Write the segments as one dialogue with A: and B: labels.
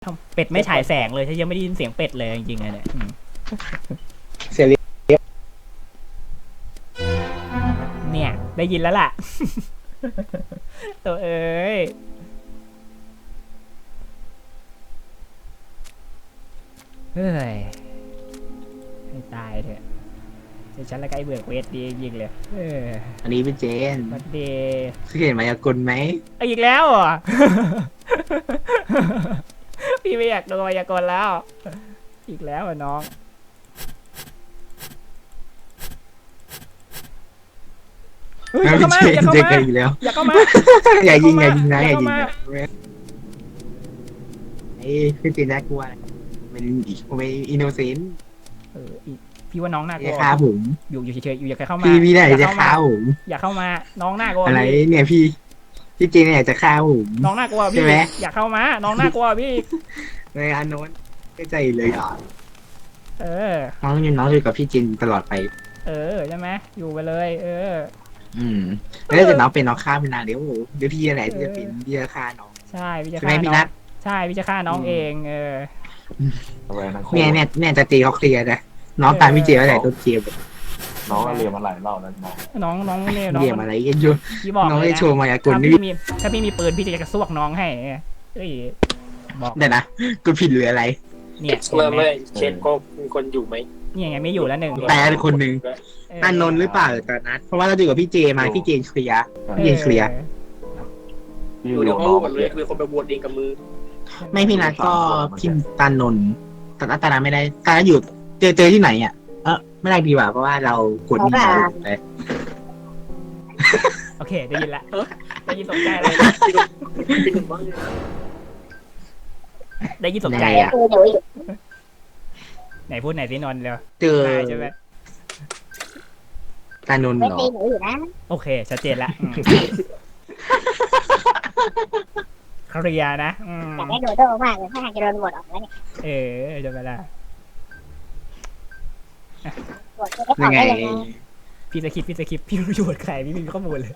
A: เป็ดไม่ฉายแสงเลยฉันยังไม่ได้ยินเสียงเป็ดเลยจริงๆเลยเนี่ย
B: เสียง
A: เนี่ยได้ยินแล้วล่ะ ตัวเอ้ยเฮ้ยให้ตายเถอะเดี๋ยวฉันละใกล้เบื่อเควสดีจริงเลย
B: อันนี้เป็นเจน
A: บัดเด
B: เคยเห็นมายากลไหม
A: อีกแล้วเหรอ พี่ไม่อยากโดนมายากลแล้วอีกแล้วน้องอย่าเข้ามาอย่าเข้ามาอย่าเข้ามา
B: อย่ายิงนะอย่ายิงนะไอ้พี่จีน่ากลัวเป็นอินโนเซนต์
A: พี่ว่าน้องน่ากลัว
B: ฆ่าผม
A: อยู่เฉยๆอยู่อย่าเข้ามา
B: พี่ไหนจะฆ่าผม
A: อย่าเข้ามาน้องน่ากลัว
B: อะไรเนี่ยพี่เจนเนี่ยจะฆ่าผม
A: น้องน่ากลัวพี่อย่าเข้ามาน้องน่ากลัวพี่
B: ในอันโน้นไม่ใจเลยอ่ะน้องอยู่กับพี่จินตลอดไป
A: ใช่ไหมอยู่ไปเลย
B: แล้วแต่น้องเป็นน้องฆ่าเป็นนานเดี๋ยวพี่อะไรที่จะเป็นพี่จะฆ่าน้อง
A: ใช่พี่จะฆ่าน้องใช่พี่จะฆ่าน้องเอง
B: เนี่ยจะตีเขาเคลียร์นะน้องตามพี่เจอะไรตัวเคลียร์
C: น้องเรียนมาหลายรอบแล้ว
A: น้องเนี่ย
B: เรียนอะไรกันอยู่
A: พี่บอก
B: น้องได้โชว์มายากลนี่
A: ถ้าพี่มีปืนพี่จะกระซวกน้องให้
B: บอกเดี๋ยวนะกูผิดหรืออะไร
A: เนี่ย
D: ไม่เชนก็มีคนอยู่ไหม
A: นี่ไงไม่อยู่แล้วหนึ่ง
B: แต่คนหนึ่งอันนนหรือเปล่าตอนนั้นเพราะว่าเราอยู่กับพี่เจมาพี่เจนเคลียร์
D: อยู่เดี๋ยวเขาเลยคือคนไปบวชเองกับมือ
B: ไม่พี่นัทก็พิมตานนตอนนั้นไม่ได้ตอนนั้นอยู่เจอที่ไหนอ่ะไม่ได้ดีกว่าเพราะว่าเรากดนี่ไป
A: โอเคได้ยินละได้ยินตกใจเลยได้ยินตกใจอ่ะไหนพูดไหนสินนท์เร็ว
B: เจอ
A: ใช่ไหม
B: ตานนเหรอ
A: โอเคชัดเจนละเคลียร์นะ
E: แต่ได้โดดโดมากเลยถ้าหากจะโดนบทออกแล้ว
A: เนี่ยจะไปละ
B: ยังไง
A: พี่สคริปพี่รู้อยู่ใครพี่มีข้อมูลเลย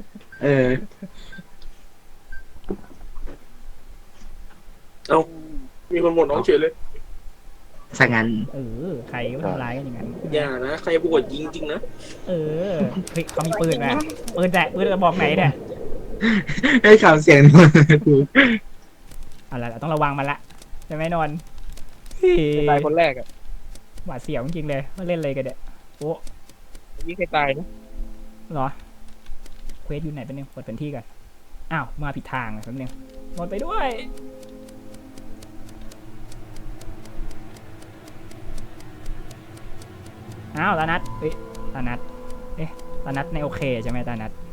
D: เอามีคนบวชน้องเฉยเลย
B: สังงั้น
A: ใครก็ทำร้ายกันอย่างนั้น
D: อย่านะใครบวชยิงจริงนะ
A: เฮ้ยเขามีปืนนะปืนกระบอกไหนเนี่ย
B: ให้ข่าวเสียงกู
A: อะไรต้องระวังมันละใช่ไหมนนท์
D: ตายคนแรกอ่ะ
A: หวาดเสียวจริงเลยมาเล่นเลยกันเด็ดโอ้
D: ยี่ใครตายนะ
A: เหรอเควสอยู่ไหนเป็นนึงเปิดเป็นที่กันอ้าวมาผิดทางแป๊บนึงหมดไปด้วยอ้าวตานัทตานัทในโอเคใช่ไหมตานัท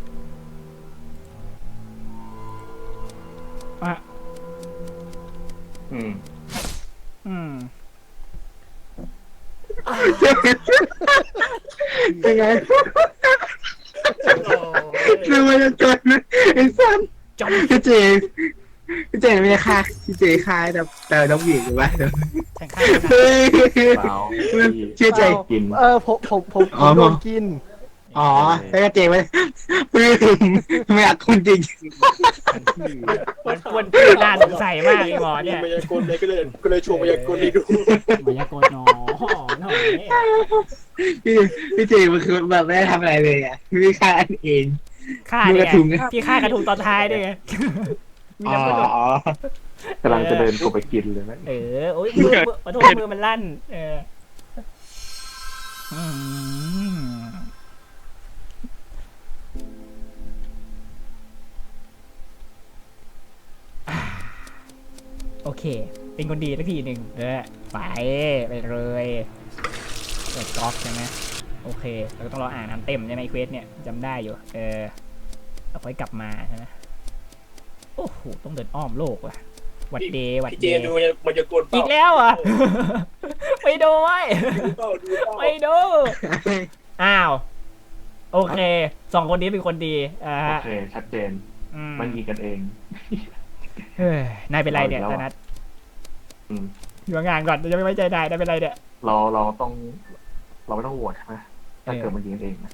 B: ยังไงดูมันจะจนไอ้สันพี่เจไม่ได้ฆ่าพี่เจฆ่าแต่ต้องหวีหรือว่าเชื่อใจ
C: กิน
F: ผมโดนกิน
B: แล้วเจไม่ไม่อยากคุณจริง
A: มันควรน่าสงสัยมากไอ้หมอเนี่ย
D: มายากลเลยก็เลยชวนมายากลนี่ดู
A: มายากลน้อหน่อย
B: พี่เจมันคือแบบไม่ได้ทำอะไรเลยอ่ะพี่ฆ่าเอง
A: ฆ่าเนี่ยพี่ฆ่ากระทุงตอนท้ายด้วยไง
C: กำลังจะเดินไปกินเลยนะ
A: โอ้ยมือมันลั่นโอเคเป็นคนดีสักทีหนึ่งไปเลยเปิดก๊อกใช่ไหมโอเคเราก็ต้องรออ่านน้ำเต็มใช่ไหมเควสเนี่ยจำได้อยู่เราค่อยกลับมาใช่ไหมโอ้โหต้องเดินอ้อมโลกว่ะวัดเดย์
D: เจดูมันจะกด
A: อีกแล้วอ่ะไม่ดูไว้ไม่ดูอ้าวโอเคสองคนนี้เป็นคนดี
C: โอเคชัดเจนมันยิงกันเอง
A: นายเป็นไรเนี่ยธนัทอยู่งานก่อนจะไม่ไว้ใจนายเป็นไรเนี่ย
C: เราไม่ต้องโหวตใช่ไหมถ้าเกิดมันยิงเองนะ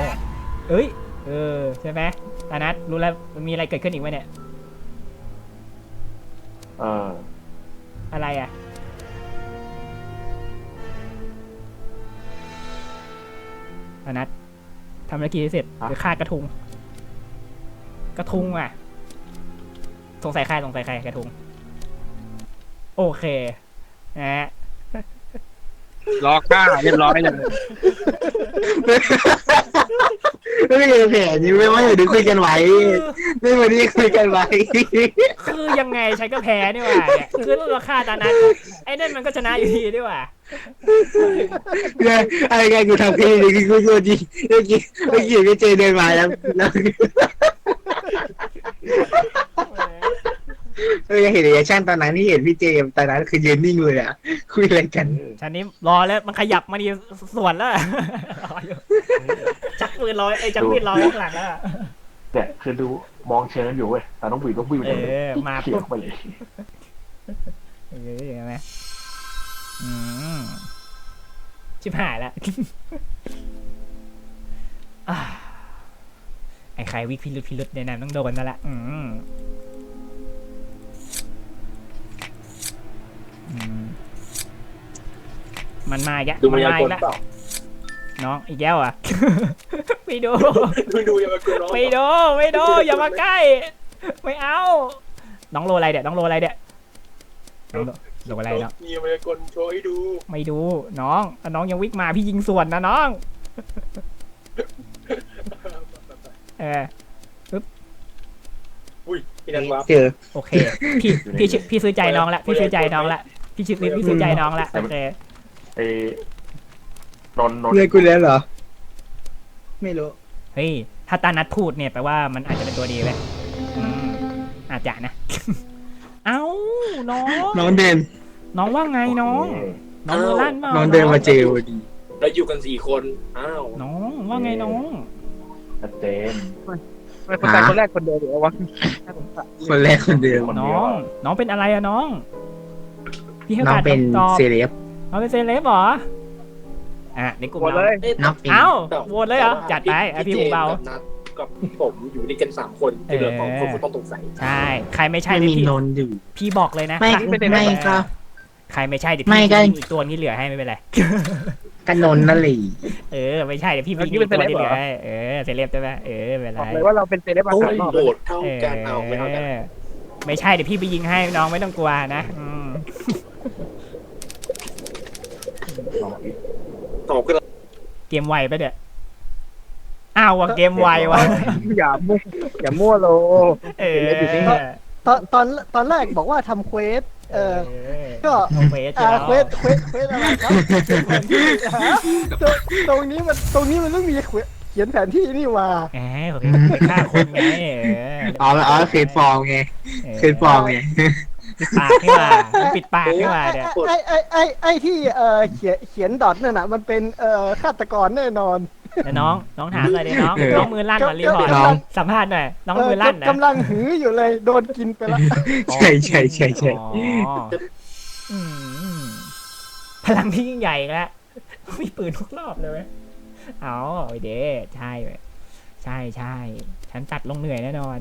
A: ใช่ไหมธนัทรู้แล้วมีอะไรเกิดขึ้นอีกไหมเนี่ยอะไรอ่ะอนัททำภารกิจให้เสร็จหรือฆ่ากระทุงอ่ะสงสัยใครกระทุงโอเคนะฮะ
G: รอฆ่าเรียบร้อยเลย
B: ไม่ได้แผนนี้ไม่ว่าจะคุยกันไว้ไม่วันนี้คุยกันไว้
A: คือยังไงฉันก็แพ้นี่หว่าเนี่ยคือราคาตานั้นไอ้นั่นมันก็ชนะอยู่ดีนี่หว่า
B: เนี่ยอะไรกันกูทำแค่นี้กูโดนจริงเมื่อกี้พี่เจเดินมาแล้วเห็นรีแอคชั่นตอนนั้นที่เห็นพี่เจตอนนั้นคือยืนนิ่งเลยอ่ะคุยอะไรกัน
A: ฉันนี้รอแล้วมันขยับมาดีสวนแล้วรออยู่จักปืนรอจักปืนรอข้างหลังแล้ว
C: เนี่ยคือดูมองเชิญอยู่เว้ยแต่น้องบุ๋ยก็บุ๋ยไปเลย
A: มา
C: เขีย
A: ปุ๊
C: ว
A: บ
C: ไปเลย
A: เห็นไหมชิบหายแล้วไอ้ใครวิกพิรุษในนั้นต้องโดนนั่นแหละมันมาอีกแล้ว
D: ดู
A: มั
D: มาน ยา
A: มาอี
D: กล
A: กแล้ว
D: เปล่า
A: น้องอีกแล้วอ่ะ ไม่ดู
D: ดูมายากลน้อง
A: ไม่ดูอย่ามาใกล้ไม่เอาน้องโลอะไรเดี๋ยวน้องโลอะไรเดี๋ยวน้องโลอะไรเนาะ
D: มีมายากลโชว์ให้ดู
A: ไม่ดูน้องถ้าน้องยังวิ่งมาพี่ยิงสวนนะน้อง
D: อุ้ยพี่นันวา
B: เจอ
A: โอเคพี่ซื้อใจน้องละพี่ซื้อใจน้องละพี่ซื้อใจน้องละโอเค
C: ไอ้นน
B: เพื่อนกูแล้วเหรอไม่รู้
A: เฮ้ยถ้าตานัดพูดเนี่ยแปลว่ามันอาจจะเป็นตัวดีเลยอาจจะนะ เอ้าน้อง
B: เดิน
A: น้องว่าไงน้องมือลั่นเปล่า
B: น้องเดินมาเจอพอดี
D: เราอยู่กัน4 คนอ้าว
A: น้องว่าไงน้อง
C: ชัดเจน
G: ไม่คนตายคนแรกคนเดียวหรือวะ
B: คนแรกคนเดิม
A: น้องเป็นอะไรอะน้องพี่ให้
B: น้อง
A: การ
B: เป็น
A: ตอบ
B: เซเลบ
A: น้องเป็นเซเลบเหรอในกลุ่ม
G: หมด
A: เรา
G: เลย
B: น้องเป็น
A: เอ้าโหวตเลยเหรอจัดไปพี่หูเบา
D: กับผมอยู่ด้วยกัน3 คนที่เหลือ2 คนต้องสงสัย
A: ใช่ใครไม่ใช่
B: ไม่
A: เดี๋ยว
B: มี
A: พี่
B: นนท์อยู่
A: พี่บอกเลยนะ
B: ไม่ก็
A: ใครไม่ใช่เดี๋ยว
B: ไม่
A: พี่
B: ก็
A: ยิงอีกตัวนี้เหลือให้ไม่เป็นไร
B: กันนนท์นั่นแหละ
A: ไม่ใช่เดี๋ยวพี่ยิงอีกตัวที่เหลือให้เซเลบใช่ไหมไม่เป็นไร
G: บอกเลยว่าเราเป็นเซเลบอา
D: โอ้
G: คาย รอบ
D: โหดเท่ากันเอาไม่เท่ากัน
A: ไม่ใช่เดี๋ยวพี่ไปยิงให้น้องไม่ต้องกลัวนะ
C: น้องอีก
D: ตอบกัน
A: เกมไวปะเดี๋ยอ้าวว่ะเกมไวว่ะ
G: อย่ามั่วโล ตอนแรกบอกว่าทำเควสก็
A: เควส
G: เควสอะไรครับตรงนี้มันต้องมีเขียนแผนที่นี่ว่า
A: ผมไปฆ่าคนไง
B: อ๋อเคยฟอร์มไงเคยฟอร์มไง
A: ปิดปากขึ้นมาปิดปากขึ้นมาเดี๋ยว
G: ไอ้ที่เขียนดอทนั่นน่ะมันเป็นฆาตกรแน่นอน
A: แล้วน้องถามเลยดิน้องมือลั่นมารีพอร์ตสัมภาษณ์หน่อยน้องมือลั่นนะ
G: กำลังหืออยู่เลยโดนกินไปแล้ว
B: ใช่
A: พลังที่ยิ่งใหญ่แล้วมีปืนทุกรอบเลยเอาเด้ใช่ฉันตัดลงเหนื่อยแน่นอน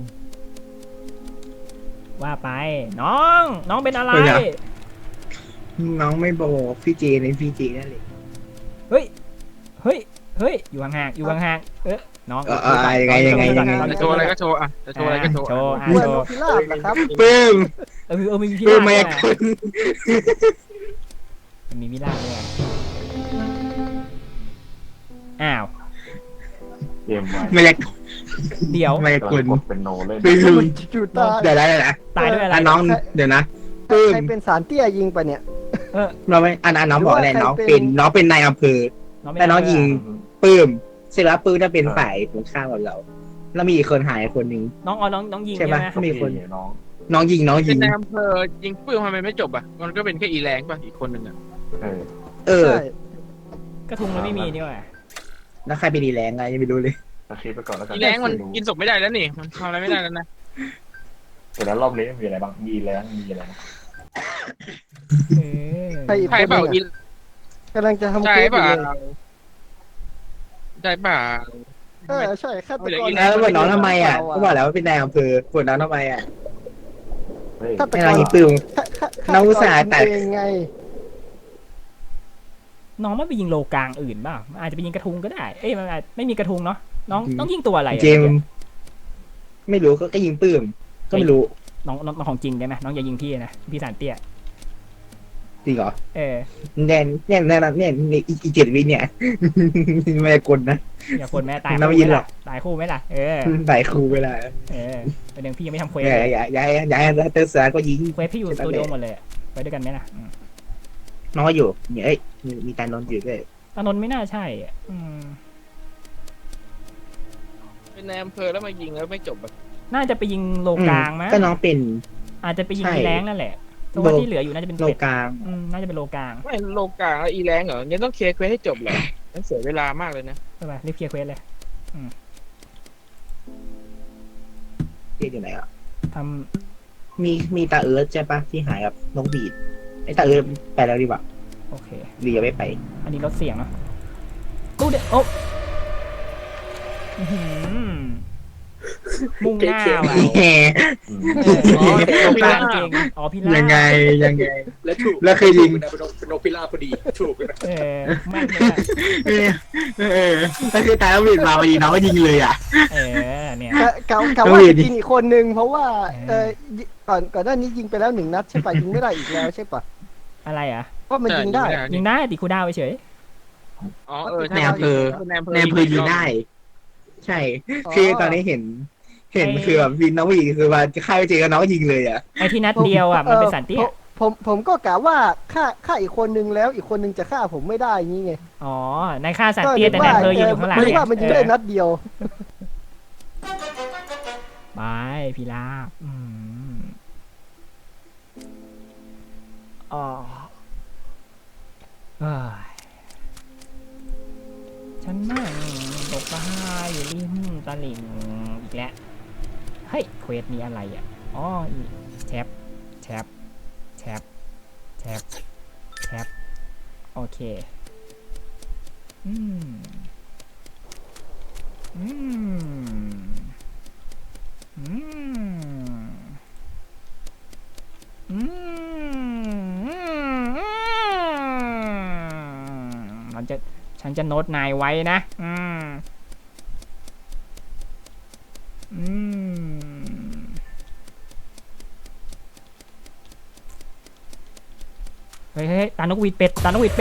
A: ว่าไปน้องเป็นอะไร
B: น้องไม่บอกพี่เจในพี่เจนั่นเลย
A: เฮ้ยอยู่ห่างน้อง
B: ยังไง
G: จะโชว์อะไรก็โชว์อ่ะจะโชว์อะไรก็โชว์
A: โชว์
G: เหมือนนกพิราบนะครับ
B: ปื้ม
A: มีพี่
B: ปื้
A: ลาม
B: มา
A: ด้วย
B: ยากล
A: มันมีพี่ลาด้วยอ้าว
C: เกมไว้
B: มายาก
A: เดี๋ยว
B: มายากล
C: กดเป็นโนเล่น
B: ปื้ม
G: อยู่ตาย
B: เดี๋ยวนะ
A: ตายด้วยอะไร
B: น้องเดี๋ยวนะปื้ม
G: ใครเป็นสารเตี้ยยิงไปเนี่ย
B: เราไม่น้องบอกอะไรน้องเป็นนายอำเภอแต่น้องยิงปื้มเสร็จแล้วปื้มจะเป็นฝ่ายตรงข้ามกับเราแล้วมีอีกคนหายคนหนึ่ง
A: น้องยิง
B: ใช่
A: ใช่
B: ไหม
A: ไหม
B: มีคน
C: น้อง
B: น้องยิง
H: เป็นนายอำเภอยิงปื้มทำไมไม่จบอ่ะมันก็เป็นแค่อีแรงป่ะอีกคนหนึ่งอ่ะ
B: เออ
G: ใช่
A: กระทุงมันไม่มีนี่หว่า
B: แล้วใครไปดีแรงไงยังไม่รู้เลย
C: ตะคริปไปก่อนแล้วกัน
H: อีแรงมันกินศพไม่ได้แล้วนี่มันทำอะไรไม่ได้แล้วนะ
C: แต่แล้วรอบนี้มีอะไรบ้างมีแรงมีอะไรบ้าง
G: ใครอีก
H: ใช่
G: คน
H: เปล่า
G: หนึ่ง
H: อี
G: อะกำลังจะทำ
H: ใช่
G: เควสอ
H: เปล่า
G: ยู่เลย
H: ใช่เปล่า
G: ใช่ฆาตกร
B: แล้วบอกน้องทำไมอ่ะก็บอกแล้วว่าเป็นนายอำเภอบอกน้องทำไมอ่ะ
C: เฮ้ย
G: ฆาต
B: ให้
G: ก
B: น้อง
G: ร
B: ยิงปื้ม
G: ฆาต
B: น้องอุตส่าห์
G: ก
B: ตั
G: ร
B: ด
G: เองไง
A: น้องไม่ไปยิงโลกลางอื่นเปล่าอาจจะไปยิงกระทุงก็ได้เอ้ยมันอาจไม่มีกระทุงเนาะน้องต้องยิงตัวอะไรอะ
B: เจมส์ไม่รู้ก็ยิงปื้มก็ไม่รู้
A: น้องของจริงได้ไหมน้องอย่ายิงพี่นะพี่สารเตี้ย
B: จริงเหรอ
A: เออ
B: แน่อีก7 วิเนี่ย ไม่กลนะ
A: อย่าคนแม่ตาย
B: น้องไม่ยิงหรอก
A: ตายคู่ไหมล่ะเออ
B: ใส่ครูเวลา
A: เออประเด็นพี่ยังไม่ทำเควส
B: อย่าให้เตอร์เสือก็ยิง
A: เควสพี่อยู่สตูดิโอหมดเลยอะไปด้วยกันไหมล่ะ
B: น้อยอยู่เนี่ยเอ้ยมีตานนท์อยู่ด้วย
A: ตานนท์ไม่น่าใช่อ่ะ
H: เป็นในอำเภอแล้วมายิงแล้วไม่จบอะ
A: น่าจะไปยิงโลกลางมั้ย
B: ก็น้องเป็น
A: อาจจะไปยิง
B: ใช่
A: อีแรงนั่นแหละเพราะว่าที่เหลืออยู่น่าจะเป็น
B: โล
A: เป็ด
B: กลาง
A: น่าจะเป็นโลกลาง
H: ไม่โลกลางแล้วอีแรงเหรองั้นต้องเคลียร์เควสให้จบเหรอนั่นเสียเวลามากเลยนะ
A: ใช่ป่ะรีบเคลียร์เควสเลย
B: เรียกอยู่ไหนอ่ะ
A: ท
B: มีตาเอิร์ธใช่ปะที่หายกับน้องบีดไอ้ตาเอิร์ธไปแล้วดีกว่า
A: ำโอเค
B: ดียังไม่ไป
A: อันนี้ลดเสียงเนาะตู้เด็ดโอ้อื้อหือมุ่งหน้าว่ะ
B: แหม
A: อ๋อโลกลางเก่งอ๋อพี่ล่า
B: ยังไง
D: และถูก
B: แล้วเคยยิง
D: เป็นนกพิราบพอดีถูกนะ
A: แม่นเลยอะ
B: ถ้าคือตายแล้วบีดมาพอดีน้องก็ยิงเลยอ่ะ
A: เนี่ย
G: กะว่าจะยิงอีกคนนึงเพราะว่าก่อนหน้านี้ยิงไปแล้ว1 นัดใช่ปะยิงไม่ได้อีกแล้วใช่ปะ
A: อะไรอ่ะ
G: ว่ามันยิงได้
A: ยิงได้ติดคูลดาวน์เฉย
H: อ๋อเออ
B: ในอำเภอ
H: ในอำเภอ
B: ในอำเภอยิงได้ ใช่ คือตอนนี้เห็นคือแบบวินน้องบีดคือว่าฆ่าไปเจอกับน้องก็ยิงเลยอ่ะ
A: ไอ้ที่นัดเดียวอ่ะมันเป็นสันเตี้ย
G: ผมก็กะว่าฆ่าอีกคนนึงแล้วอีกคนนึงจะฆ่าผมไม่ได้งี้ไง
A: อ๋อในค่าสันเตี้ยแต่ในอำเภอยืนอยู่ข้างหลัง
G: ไม่ว่ามันยิงได้นัดเดียว
A: ไปพี่ลาบอ๋อเอ้ยฉันนั่งตกปลาอยู่ริมตลิ่งอีกแล้วเฮ้ยเควสมีอะไรอ่ะอ๋อแท็บโอเคฉันจะโน้ตนายไว้นะเฮ้ยตานกหวีดเป็ด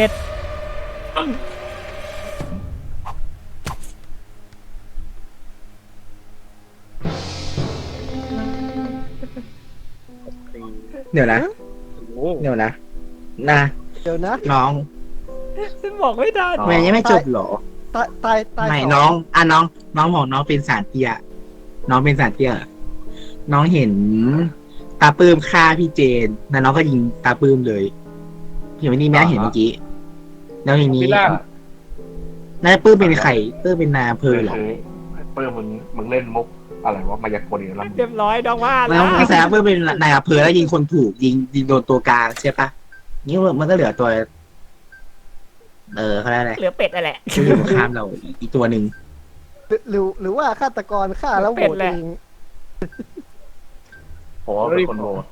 B: เดี๋ยวนะ
H: โอ้
B: เดี๋ยวนะ
G: เดี๋ยวนะ
B: น้อง
A: ฉันบอกไม่ได้
B: แม่ยังไม่จบเหรอ
G: ตาย
B: ไม่
G: ส
B: น้องบอกน้องเป็นสารเตี้ยน้องเป็นสารเตี้ยน้องเห็นตาปื้มฆ่าพี่เจนแล้วน้องก็ยิงตาปื้มเลยเห็นวันนี้แม่เห็นเมื่อกี้แล้วทีนี้
C: พิล่า
B: น่าจะปื้มเป็นใครปื้มเป็นนายอำเภอเหรอ
C: เปิ้ลมึงเล่นมุกอะไรวะมายากลอีกแล้ว
A: เรียบร้อยดองว่า
B: แล้
A: แล้ว ว
B: แสดงปื้มเป็นนายอำเภอแล้วยิงคนถูกยิงโดนตัวกลางใช่ปะนี่มันก็เหลือตัวเขาเรียกอะไร
A: เหลือเป็ดนั่นแหละ
B: ที่อยู่ข้ามเราอีกตัวหนึ่ง
G: หรือว่าฆาตกรฆ่าแล้วโหวตเอง
C: ผมว่าเป็นคนโหวต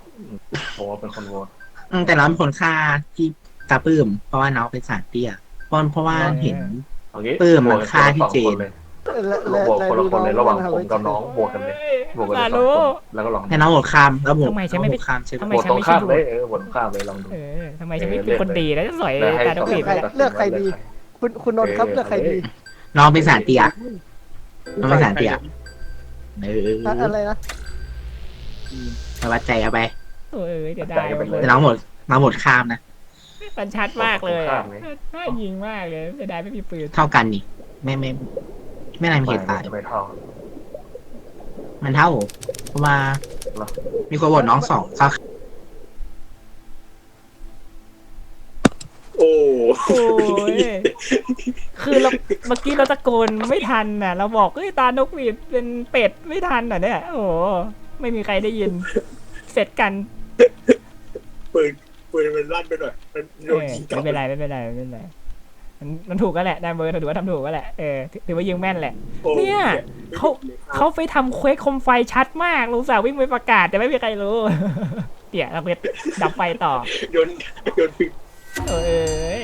B: แต่น้องเป็นคนฆ่าที่ตาปื้มเพราะว่าน้องเป็นสารเตี้ยเพราะว่าเห็น ปื้มมันฆ่าพี่เจน
C: โหวตคนละคนเลยระหว่างผมกับน้องโหวตกันเลยโหวตกันเลย2 คนแล้วก็ลอง
B: ให้น้องโหวตข้ามแล้วโหวต
A: ทำไมฉันไม่
B: โห
A: ไป
B: วตข้ามใช่ไหม
A: ทำไม
C: โหวต
A: ฉัน
C: ตรง
A: ไม่
C: ข้าม
A: ใช่
C: เลยโหวตข้ามเลยลองดู
A: ทำไมฉันไม่เป็นคนดีแล้วจะสอยตาดกบีบ
G: เลือกใครดี คุณนนท์ครับเลือกใครดี
B: น้องเป็นสารเตี้ยน้องเป็นสารเตี้ย
G: อะไรนะ
B: มาวัดใจเอาไป
A: เดี๋ยวได้
B: แต่น้องโหวตข้ามนะ
A: มันชัดมากเลยน่ายิงมากเลยจะได้ไม่มีปืน
B: เท่ากันนี่ไม่นายมีเหตุตาย
C: ไม่เท่า
B: มันเท่าเพราะว่ามีคนโหวตน้อง2ครับ
D: โอ้
A: โอ้ยคือเราเมื่อกี้เราตะโกนไม่ทันน่ะเราบอกเฮ้ยตานกหวีดเป็นเป็ดไม่ทันน่ะเนี่ยโอ้ไม่มีใครได้ยินเสร็จกัน
D: ปืนมันลั่นไปหน่อยมันโดนยิงกลับ
A: ไม่เป็นไรมันถูกก็แหละได้เบอร์ถือว่าทำถูกก็แหละถือว่ายิงแม่นแหละ เนี่ยเขาไปทำเควสคมไฟชัดมากรู้สึกวิ่งไปประกาศแต่ไม่มีใครรู้เดี๋ยวเราไปดับไฟต่อ
D: โยนฟิก
A: เอ้ย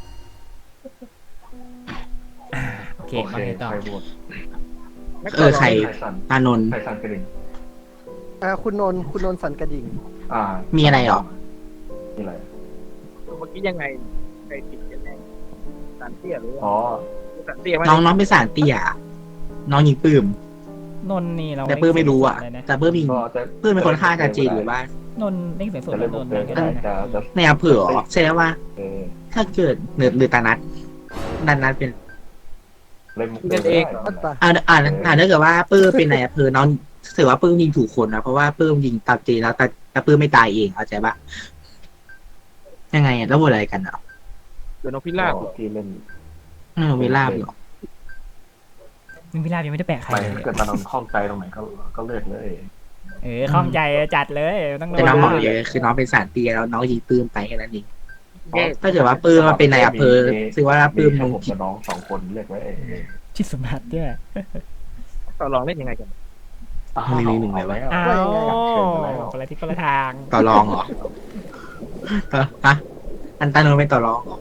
A: โอเค
C: โอ
A: มา
C: เค
A: ไงต่อ
C: ใครโหวต
B: ใคร
C: ใครสั่น
B: ตานนท์
C: ใครสั่นกระดิ่ง
G: คุณนนท์สันกระดิ่ง
B: มีอะไรหรอ
C: มีอะไร
H: เมื่อกี้ยังไงใครติดกันแน่สารเตี้ยหรือว่า
C: อ๋อ
H: สารเตี้ยไหม
B: น้องเป็นสารเตี้ยน้องยิงปื้ม
A: นนท์นี่เรา
B: แต่ปื้มไม่รู้อ่ะ
A: เลยนะ
B: แต่ปื้มยิง
C: ก็จะ
B: ปื้มเป็นคนฆ่าอาจารย์เจนหรือว่า
A: นนท์เล่นเสียงสด
C: จะ
A: แล้
C: เล่
A: วน น
C: บุ
A: น
C: ก
A: ท์
C: เดิ
A: เล่
C: น
A: น
C: ก็
A: ก็
C: ได้
A: ได้นะ
C: จะ
B: ในอำเภอเหรอแสดงว่า
C: เออ
B: ถ้าเกิดหรือตานัดเป็น
C: เล่นมุก
H: นั่นเอง
G: อัตตา
B: ถ้าเกิดว่าปื้มเป็นในอำเภอน้องถือว่าปื้มยิงถูกคนนะเพราะว่าปื้มยิงตามเจนแล้วแต่ปื้มไม่ตายเองเข้าใจปะยังไงอ่ะแล้วโหวตอะไรกันอ่ะ
H: เดี๋ยวนกพิราบ
C: ที่เล่น
B: เวลาบเหรอ
A: มึงพิราบยังไม่ได้แปะใคร
C: ไป
A: เลย
C: เกิดตอนนข้องใจตรงไหนก็เลือกเลย
A: ข้องใจจัดเลยต้อง
B: แต่น้องบอกเลยคือน้องเป็นสารเตี้ยแล้วน้องยิงปื้มไปแค่นั้นเองถ้าเกิดว่าปื้มมาเป็นในอำเภอถือว่าปื้ม
C: แค่
B: มึง
C: ผมกับน้องสองคนเลือกไว้
A: ชิดสมบัติด้วย
H: ต่อรองเล่นยังไงกัน
B: มีหนึ่งเลยว่า
A: อ้าวคนละทิศคนละทาง
B: ต่อรองเหรอฮะอันตานนท์เป็นต่อรองเหรอ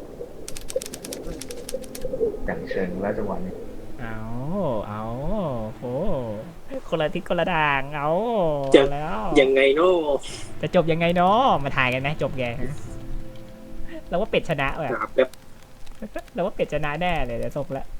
C: อย่างเชิงและจังหวะนี้
A: เอาโหคนละทิศคนละทางเอาแล้ว
D: ยังไงเนาะ
A: จะจบยังไงเนาะมาถ่ายกันไหมจบไงเราว่าเป็ดชนะว่ะ
D: หาแบบ
A: เราว่าเป็ดชนะแน่เลยเดี๋ยวจบแล้ว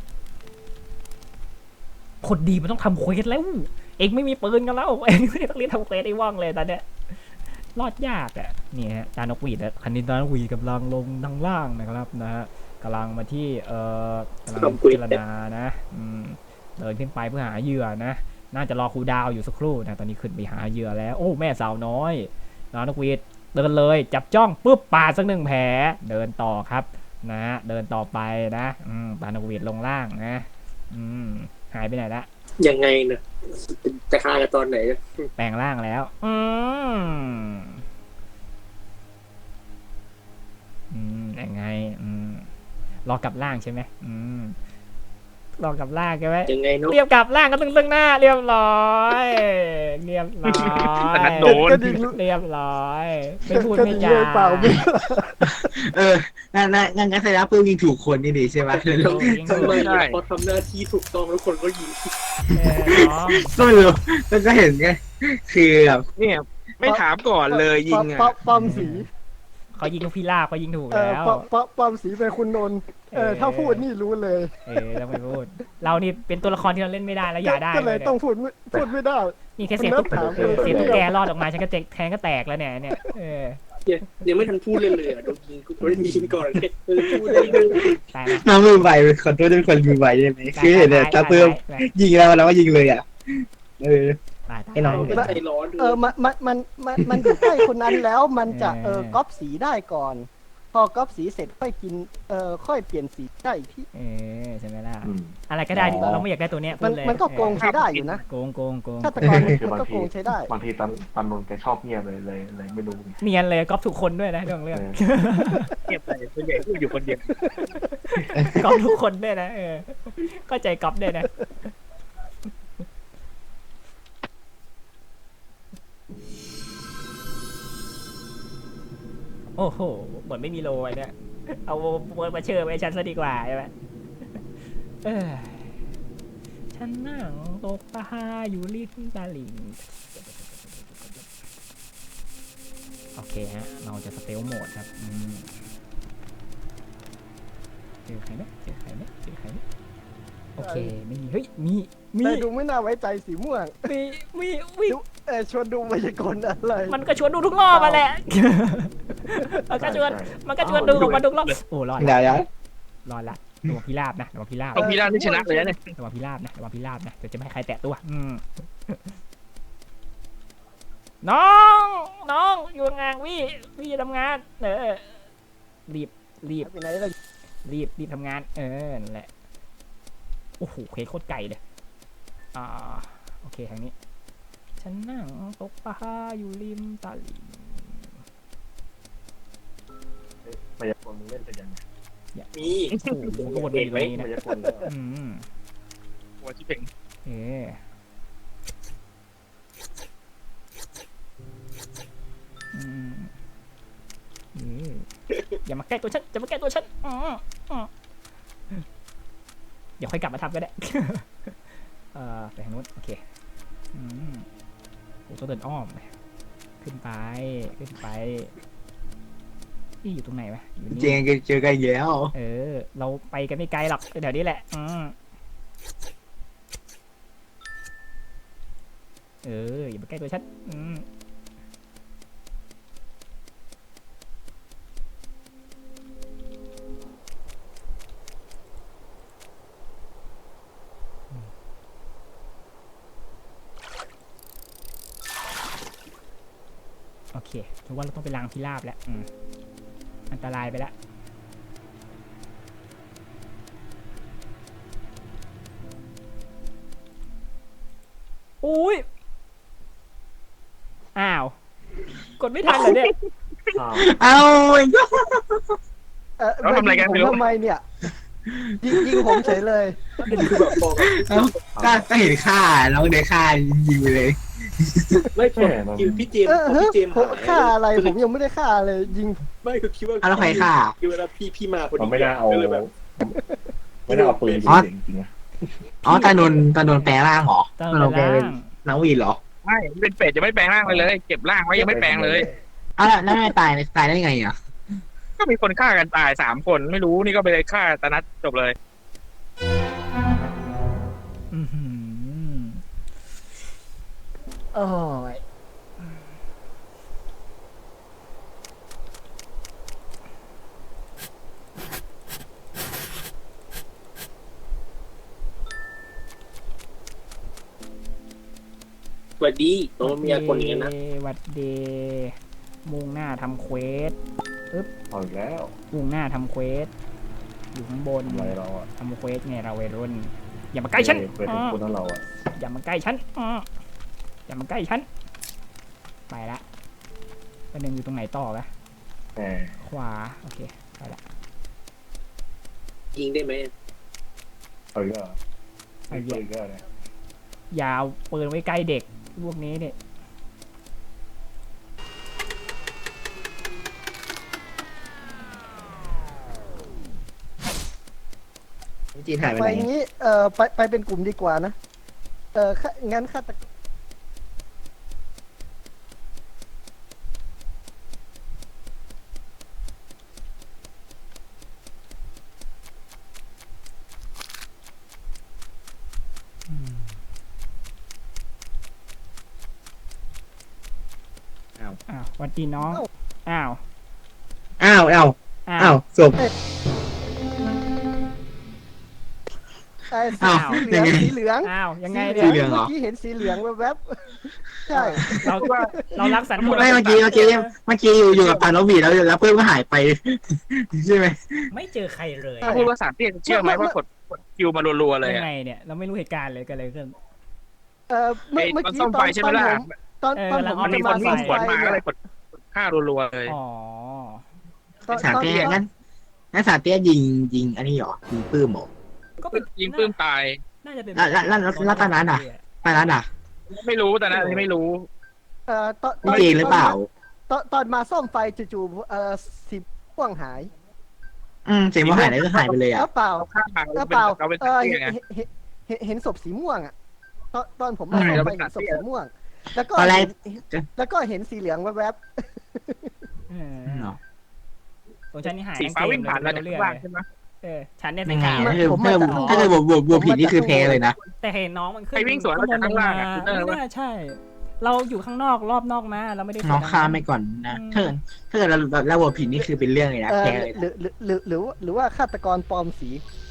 A: คนดีมันต้องทำเควสแล้วเองไม่มีปืนกันแล้วเองไม่ต้องรีบทำเควสไอ้ว่องเลยตอนเนี้ยรอดยากอ่ะนี่ฮะตานกหวีดคันนี้ตานกหวีดกำลังลงทางล่างนะครับนะฮะกำลังมาที่กำลังพิจารณานะเดินขึ้นไปเพื่อหาเหยื่อนะน่าจะรอครูดาวอยู่สักครู่นะตอนนี้ขึ้นไปหาเหยื่อแล้วโอ้แม่สาวน้อยตานกหวีดเดินเลยจับจ้องปุ๊บปาดสักหนึ่งแผลเดินต่อครับนะเดินต่อไปนะตานกหวีดลงล่างนะหายไปไหนละ
D: ยังไงเนี่ยจะฆ่ากันตอนไหน
A: แปลงร่างแล้วยังไงรอกลับร่างใช่ไหมรอกลับร่างใช่ไหม
D: ยังไงเนาะ
A: เรียบกลับร่างก็ตึงหน้าเรียบร้อยเรียบร้อย
H: แต่นัดโดน
G: กระดิ่ง
A: เรียบร้อยไม่พูด
G: กระ
A: ไม่
G: ดิ่ง
A: จา
G: เลยเปล่าไม่
B: งั้นแสดงว่าปื้มยิงถูกคนนี่ดีใช่ไหม
D: ทำไมพอทำหน้าที่ถูกต้องแล้วคนก็ยิง
A: น้อง
B: ก็ไม่รู้มันก็เห็นไงคือแบบ
H: เนี่ยไม่ถามก่อนเลยยิงอ่ะ
G: ป้อมสี
A: เขายิงพิราบเขายิงถูกแล้ว
G: ป้อมสีเป็นคุณนนท์ถ้าพูดนี่รู้เลย
A: ต้องไม่พูดเรานี่เป็นตัวละครที่เราเล่นไม่ได้แล้วอย่าได้
G: ก็เลยต้องพูดไม่ได้
A: นี่แค่เสียงตุ๊กเสียงตุ๊กแกรอดออกมาฉันก็แทงก็แตกแล้วเนี่ย
D: ยังไม่ทันพูดเลยอ่ะโดนยิงกูโดนยิงก่อนเลยพูดได้เลย
A: ตาย
B: น้องมือไวขอโทษด้วยคนมือไวใช่ไหมคือเห็นเนี่ยตาปื้มยิงแล้วก็ยิงเลยอ่ะไอ้น้อง
D: ไม่ใจร้อน
G: มันอยู่ใกล้คนนั้นแล้วมันจะก๊อปสีได้ก่อน พอก๊อปสีเสร็จค่อยกินค่อยเปลี่ยนสีได้อีกที่
A: ใช่ไหมล่ะอะไรก็ได้เราไม่อยากได้ตัวเนี้ย
G: มันก็โกงใช้ได้อยู่นะ
A: โกง
G: ฆาตกรมันก็โกงใช้ได้
C: บางทีตันนนแกชอบเงียบเลยไม่รู้
A: เนียนเลยก๊อปทุกคนด้วยนะเรื่อง
H: เก็บไปส่วนใหญ่พูดอยู่คนเดียว
A: ก๊อปทุกคนด้วยนะเข้าใจก๊อปด้วยนะโอ้โหเหมือนไม่มีโลไอ้เนี่ยเอาเวิร์ดมาเชื่อไว้ฉันซะดีกว่าใช่ไหมฉันนั่งตกปลาอยู่ริมตลิ่งโอเคฮะเราจะสเตลโหมดครับเจอใครไหมโอเคไม่มีเฮ้ยมี
G: แต่ดูไม่น่าไว้ใจสีม่วง
A: มี
G: ชวนดูมายากลอะไร
A: มันก็ชวนดูทุกรอบมาแหละมันก็ชวนดูของมันทุกรอบโอ้รอด
B: เดี๋ยว
A: รอดละตัวพิราบนะตัวพิราบ
H: เอาพีราบที่ชนะเลยนะเนี่ย
A: ตัวพิราบนะจะไม่ให้ใครแตะตัวน้องอยู่งานวี่จะทำงานรีบ
G: ไปไหนเลย
A: รีบทำงานนั่นแหละโอ้โหเคโคตรไก่เลยโอเคทางนี้ฉันนั่งตกปลาอยู่ริมตลิ่ง
C: มายากลมึงเล่นเป็นยังไง
D: มี
A: โอ้โหก็วนไปอยู่ตรงนี้นะ
C: มายากลแล้ว
H: หัวชิเพ่ง
A: มอืมอย่ามาใกล้ตัวฉันอย่ามาใกล้ตัวฉันเดี๋ยวค่อยกลับมาทำก็ได้ ไปทางนู้นโอเคโอ้ต้องเดินอ้อมขึ้นไปขึ้นไปนี่อยู่ตรงไหนวะอยู่
B: เจ
A: นี่
B: นเจอกันอีกแล้ว
A: เราไปกันไม่ไกลหรอกเดี๋ยวนี้แหละอย่ามาใกล้ตัวฉันโอเคถือว่าเราต้องไปล้างพิราบแล้วอันตรายไปแล้วอุ้ยอ้าวกดไม่ทันเหรอเนี่ย
C: อ้าว
B: เอาอีกแล้ว
H: เราทำอะไรกันไม่รู้
G: ทำไมเนี่ยยิงผมเฉยเลย
D: คือแบบบอก
B: ก็เห็นค่าน้องเดค่ายิงไปเลย
D: ไม่พอคิวพี่เจมส์พอพี่เจมส์
G: ผมฆ่าอะไรผมยังไม่ได้ฆ่าเลยยิง
D: ไม่คือคิดว่า
B: แล้วใครฆ่า
D: คือเวลาพี่มาพอดี
C: เราไม่ได้เอา
D: ก็เลยแบบ
C: ไม่ได้เอาปืนยิงจริงๆนะ
B: อ๋อตานนท์แปลงร่างเหรอ
A: ตอน
B: ตานนท์แปลงเป็น
A: ล่าง
B: น้องวีนเหรอ
H: ไม่เป็นเป็ดยังไม่แปลงร่างเลยเก็บร่างไว้ยังไม่แปลงเลย
B: อ้าวแล้วไม่ตายได้ไงอ่ะ
H: ก็มีคนฆ่ากันตาย3 คนไม่รู้นี่ก็ไปเลยฆ่าตานัดจบเลย
A: อื้อหือโอ้ย
D: สวัสดีโอ้มีคนอย่างนี้นะ
A: หวัดดีมุ่งหน้าทำเควส
C: เอาอีกแล้ว
A: มุ่งหน้าทำเควสอยู่ข้างบน
C: ทำอะไรเราอ่ะ
A: ทำเควสไงเราวัยรุ่นอย่ามาใกล้ฉัน
C: เคยเป็นคนนั้นเราอ่ะ
A: อย่ามาใกล้ฉันอย่ามาใกล้ฉันไปละประเด็นอยู่ตรงไหนต่อวะ
C: แหม
A: ขวาโอเคไปละ
D: ยิงได้ไหม
C: เอาอีกแล้ว
A: ไอ้
C: เอา
A: เหี้ย
C: อีกแล้วเนี่ย
A: ยาวปืนไว้ใกล้เด็กพวกนี้เนี่ย
B: จีนหายไป
G: ไป
B: ไหน
G: งี้ไปเป็นกลุ่มดีกว่านะงั้นฆาตกร
A: อ้าวหวัดดีน้องอ้าว
B: อ้าวศพ
G: ไอ้
B: อ้าว
G: สีเหลือง
A: อ้าวยังไง
B: สี
A: เนี่ย
B: เหลืองเหรอ
G: เมื่อกี้เห็นสีเหลืองแวบๆใช่
A: เรารักสัน
B: ไม่เมื่อกี้อยู่กับตานวีแล้วเพื่อนก็หายไป ใช่ไหม
A: ไม่เจอใครเลย
H: ถ้าพูดว่าสามเตี้ยจะเชื่อไหมว่ากดคิวมารัวๆเลย
A: ยัง
H: อะ
A: ไงเนี่ยเราไม่รู้เหตุการณ์เลยกันเลยขึ้น
G: เมื่
H: ไอ้
G: อ
H: ตอน
G: กี้
H: ซ่อมไฟใช่ไหมล่ะ
G: ตอนผม
H: มันมี
G: จะ
H: ค
G: มาน ซ่
H: วิ่
G: อง ม
H: สวน
G: ไฟ
H: มาก็เล
G: เนี่ย
H: ยกดฆ่ารัวๆเลย
A: อ๋อ
B: สารเตี้ยงั้นสารเตี้ยยิงอันนี้เหรอยิงปื้มเหรอ
A: ก็เป็น
H: ยิงปื้มตาย
A: น่าจะเป็น
B: แล้วตอนนั้นอ่ะ ไปแล้วอ่ะ
H: ไม่รู้แต่นะที่ไม่รู้
G: ตอน
B: พี่เจนหรือเปล่า
G: ตอนมาซ่อมไฟจู่ๆสีม่วงหาย
B: เสียงว่าหายแล้วก็หายไปเลยอ่ะ
G: เปล่า
H: ฆ่า
G: เปล่า
H: เราเป็น
G: เอ
H: สาม
G: อ
H: เตี้ยไง
G: เห็นศพสีม่วงอ่ะตอนผมมา
H: ใช่
G: ซ่อม
H: เรา
G: ไฟ
H: เป็น
G: เห็นศพ
H: สัตว์เตี้
G: สี
H: ย
G: ม่วง แล้วก็
B: ตอนแรก
G: แล้วก็เห็นสีเหลืองแวบ
A: ของฉันนี่หาย
H: สีฟ้าวิ่งผ่านเราจาก
A: เรื่
H: ข้า
A: อง
H: งล่างใช่ไหม
A: ฉันเนี่ย
B: ยั
A: สี
B: งไง
A: ขาว
B: ถ้าเกิดบวกผิดนี่คือแพ้เลยนะ
A: แต่เห็นน้องมันขึ้น
H: ใครวิ่งสวนมาจากข้างล่างอะ
A: ไม่น่าใช่ เราอยู่ข้างนอกรอบนอกมาเราไม่ได้
B: น้องข้ามไปก่อนนะถ้าเกิดเราบวกผิดนี่คือเป็นเรื่องเลยนะ
G: ๆ
B: แพ้เลย
G: หรือว่าฆาตกรปลอมสี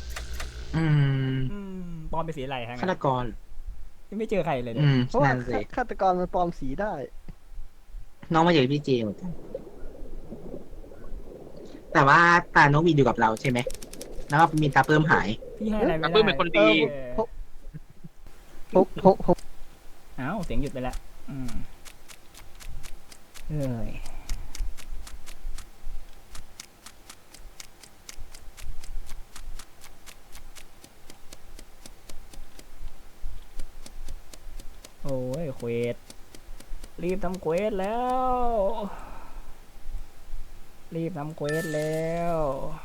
A: ปลอมเป็นสีอะไรฮะ
B: ฆาตกร
A: ไม่เจอใครเลยเนี่ย
G: เพราะว่า
B: นั่นสิ
G: ฆาตกรมันปลอมสีได้
B: น้องมาจากพี่เจเหมือนกันแต่ว่าตาน้องวีอยู่กับเราใช่ไหมแล้วก็มีตาเพิ่มหาย
A: พี่ให้อะไรไม่
H: แต่
A: ได้
H: ปื้มเป็นคนดี
G: ผม
A: อ้าวเสียงหยุดไปแล้วเอ้ยโอ้ยเควสรีบทำเควสแล้วรีบทำเควสแล้ว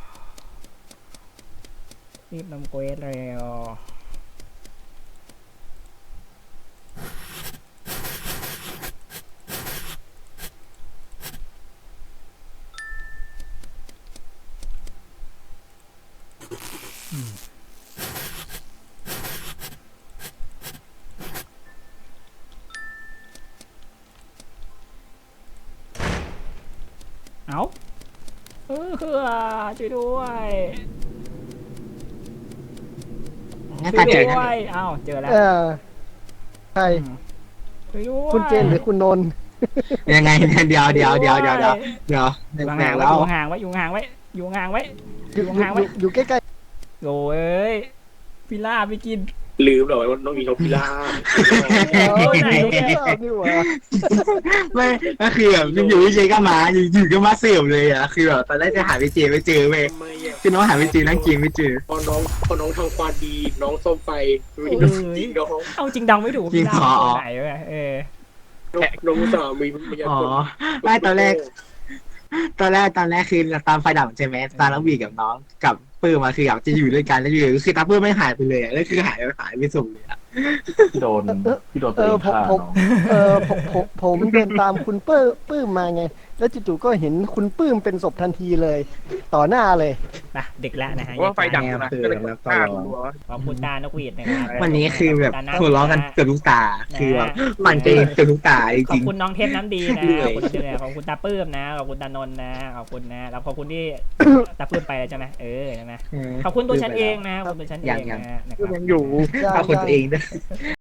A: รีบทำเควสแล้วเอาช่วยด้วย
B: งั้นตาเจอ
A: ช่วย
B: กัน
A: ด้วยเอ้าเจอแล้ว
G: ใคร
A: ช่วยด้วย
G: คุณเจนหรือคุณนนท์
B: ยังไงเนี่ยเดี๋ยวแปลกๆแล้ว
A: อยู่ห่างไว้อยู่ห่างไว้อยู่ห่างไว้
G: อยู่
A: ห่างไว้
G: อยู่ใกล้
A: โอ้เอ้ยพิล่าไปกิน
D: ลืมเลยว่าน้องมีนกพิราบ
G: ๆ
A: เออไหน
G: อยู่
A: เนี่ย
G: ใกล้ๆนี่หว่า
B: ไม่ก็คือแบบอยู่ๆเจก็มาอยู่ๆก็มาเสียบเลยอ่ะคือแบบตอนแรกจะหาพี่เจไม่เจอเว้ย
D: ทำไมอ่ะ
B: คือน้องหาพี่เจนั่งกินไม่เจอ
D: พอน้องทำความดีน้องซ่อมไฟมีน้องจริงน้อง
A: เอาจริงเดาไม่ถูกพิล่าเป็นตัวไหนวะ
D: น้องอุตส่าห์มีพยา
B: อ๋อ
D: คน
B: ไม่ตอนแรกคือตามไฟดับใช่ไหมตาแล้วบีกับน้องกับปื้มมาคืออยากจะอยู่ด้วยกันแล้วอยู่คือตาปื้มไม่หายไปเลยอ่ะแล้วคือหายไปส่งเลยอ่ะ
C: พี่โดนตัวเองฆ่าเนาะ
G: ผมเดินตามคุณปื้มมาไง แล้วจู่ๆก็เห็นคุณปื้มเป็นศพทันทีเลย ต่อหน้าเลย
A: ไปดึกแล้วนะฮะ
H: ว่าไฟดับนะก็เลยฆ่าตัว
A: ขอบคุณตานกหวีดนะครับ
B: วันนี้คือแบบหัวเราะกันเกือบทุกตาคือแบบปั่นเจเกือบทุกตาจ
A: ขอ
B: ริ
A: บ
B: ง
A: คุณน้องเทพน้ำดีนะ
B: เหนื่
A: ข
B: อ
A: อย บคุณเจริญขอบคุณตาปื้มนะขอบคุณตานนท์นะขอบคุณนะแล้วขอบคุณที่ตาปื้มไปแล้วใช่ไหมใช่ไหม
B: ๆ
A: ขอบคุณตัวฉันเองนะขอบคุณตัวฉันเองนะนะครับ
H: ยังอยู่
B: เอาคนตัวเองด้วย